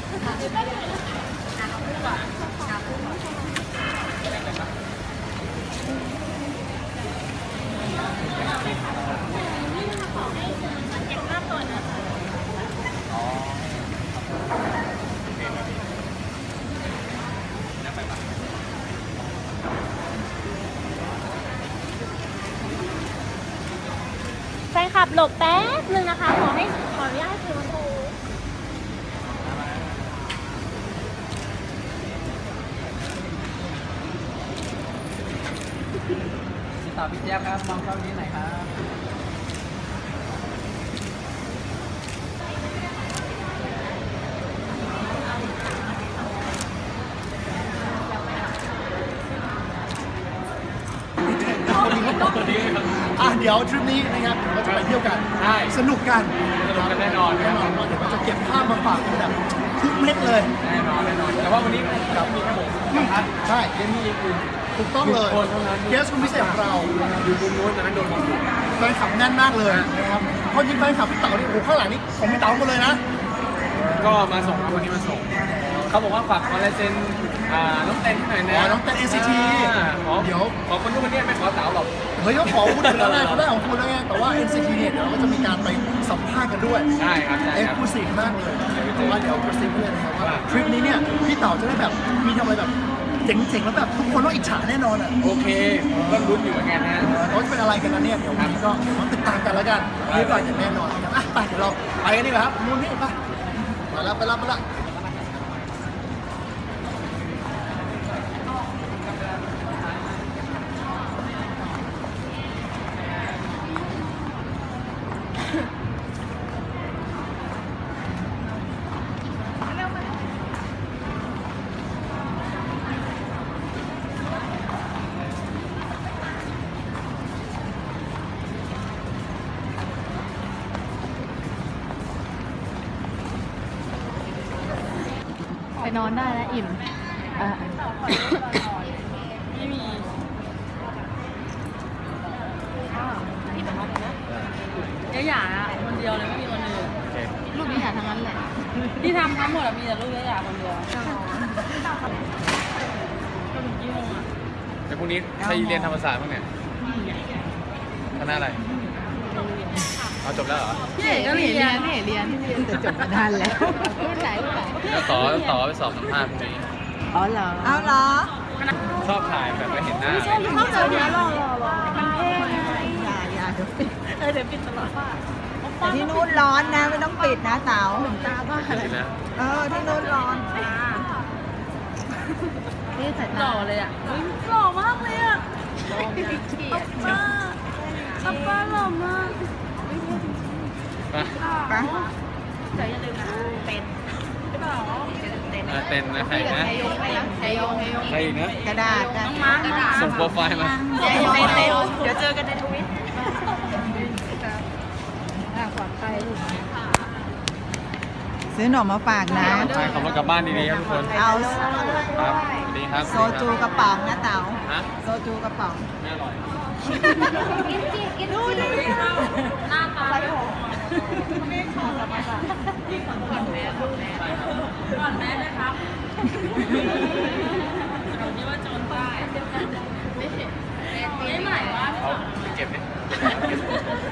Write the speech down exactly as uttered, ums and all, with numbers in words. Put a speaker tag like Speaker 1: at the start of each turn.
Speaker 1: แฟนคลับหลบแป๊บนึงนะคะ ขอให้ขออนุญาตให้คุณครู
Speaker 2: พี่ต่อพี่แจ๊บครับมองเข้านี้หน่อยครับ
Speaker 3: อ่ะเดี๋ยวทริปนี้นะครับเราจะไปเที่ยวกัน
Speaker 2: ใช่
Speaker 3: สนุกกัน
Speaker 2: สนุกกันแน่นอน
Speaker 3: แน่นอนว่าเดี๋ยวเราจะเก็บภาพมาฝากกันแบบทุกเม็ดเลย
Speaker 2: แน่นอนแน่นอนแต่ว่าวันนี้เรามีแค่ผมกับพัด
Speaker 3: ใช่
Speaker 2: เจนนี่อื่น
Speaker 3: ถูกต้องเลย
Speaker 2: คนเท่านั้น
Speaker 3: เกสคนพิเศษของเรา
Speaker 2: อยู่มุมนู้นแต่นั้นโดนผมอยู่
Speaker 3: แฟนคลับแน่นมากเลยนะครับเพราะยิ่งแฟนคลับพี่เต๋านี่โอ้โหข้างหลังนี่ของพี่เต๋าหมดเลยนะ
Speaker 2: ก็มาส่งครับวันนี้มาส่ง เขาบอกว่าฝากคอลลาเจนอ่าน้องเต้นหน่อยนะ
Speaker 3: อ๋อน้องเต้น เอ็น ซี ที
Speaker 2: อ่าขอ
Speaker 3: เดี๋ยว
Speaker 2: ขอคนทุกคนเนี่ยไม่ขอเต๋าหรอก
Speaker 3: เฮ้ยเขาขอคุณถึงแล้วไงเขาได้ของคุณแล้วไงแต่ว่า เอ็น ซี ที เนี่ยเดี๋ยวเราก็จะมีการไปสัมภาษณ์กันด้วย
Speaker 2: ใช่ครับใช่
Speaker 3: เอ็ก
Speaker 2: ครั
Speaker 3: ซ์
Speaker 2: บ
Speaker 3: คลูซีฟมากเลยแต่ว่าเดี๋ยวกระซิบเพื่อนนะครับว่าทริปนี้เนี่ยพี่เต๋าจะได้แบบมีทำอะไรแบบเจ๋งๆแล้วแบบทุกคนต้องอิจฉาแน่นอนอ่ะ
Speaker 2: โอเคผมก็ลุ้นอยู่เหมือนกันนะ
Speaker 3: เขาจะเป็นอะไรกันนะเนี่ยเดี๋ยววันนี้ก็เดี๋ยวมาติดตามกันแล้วกันนี่ไปอย่างแน่นอนนะครับอ่ะไปเดี๋ยวเราไปกันดีกว่าครับนู่นนี่ไปมาแล้วไปแล้วไปแล้ว
Speaker 1: ไปนอนได้แล้วอิ่มอ่าไม่มีเดี๋ยวหย่าอะคนเดียวเลยไม่มีคนอื่น
Speaker 2: โอเค
Speaker 1: ลูกนี้หย่าทั้งนั้นแหละ ที่ทำทั้งหมดอะมีแต่ลูกนี้หย่าคนเดียวก็ถึงกี่โมงอะ
Speaker 2: แต่พรุ่งนี้ใครเรียนธรรมศาสตร์บ้างเนี่ยคณะอะไรเอาจบแล้วเหรอ
Speaker 1: พี่เอกก็เรียนพี่เอกเรียนแต่จบมานานแล้วรุ่นไหนรุ่นไหน
Speaker 2: แล้วต่อต่อไปสอบสัมภาษณ์พรุ่งนี้
Speaker 1: อ๋อเหรอ
Speaker 4: เอาเหรอ
Speaker 2: ชอบถ่ายแบบไม่เห็นหน้า
Speaker 1: เข้าเจอเดี๋ยวรอรอรอมันเท่ไง
Speaker 4: อย่าอย่าเดี๋ยวปิด
Speaker 1: เออเดี๋ยวปิดตลอดว่า
Speaker 4: แต่ที่นู่นร้อนนะไม่ต้องปิดนะเต๋า
Speaker 1: ตาบ้าอะไร
Speaker 2: ดีนะ
Speaker 4: เออที่นู่นร้อน
Speaker 1: นี่สายตาหล่อเลยอ่ะหล่อมากเลยอ่ะป้าป้าป้าหล่อมาก
Speaker 2: ไป
Speaker 4: ไป
Speaker 1: แต่อย่าลืมนะเต้นใช่เปล่าเต้น
Speaker 2: อ่ะเต้นนะใครนะ
Speaker 1: ไทยงไทยงไทยงไทยง
Speaker 2: ใครอีกนะ
Speaker 4: กระดาษนะ
Speaker 1: น้องมาร์กระดาษ
Speaker 2: ส่งโปรไฟล์มา
Speaker 1: เต้นเต้นเต้นเดี๋ยวเจอกันในทวิตปลอดภัยลูก
Speaker 4: ซื้อหนมมาฝากนะ
Speaker 2: ใช่ขับรถกลับบ้านดีๆครับทุกคน
Speaker 4: เอา
Speaker 2: ครับสวัสดีครับ
Speaker 4: โซจูกระป๋องนะเต๋า
Speaker 2: ฮะ
Speaker 4: โซจูกระป๋อง
Speaker 2: ไม่อร่อย
Speaker 1: กินสิกินดูดิหน้าตาไม่ขอละมาก่อนแม่ก่อนแม่ก่อนแม่นะครับเราคิดว่าโจรใต้ไม่เห็นไม่หมายว่า
Speaker 2: เอาเก็บดิ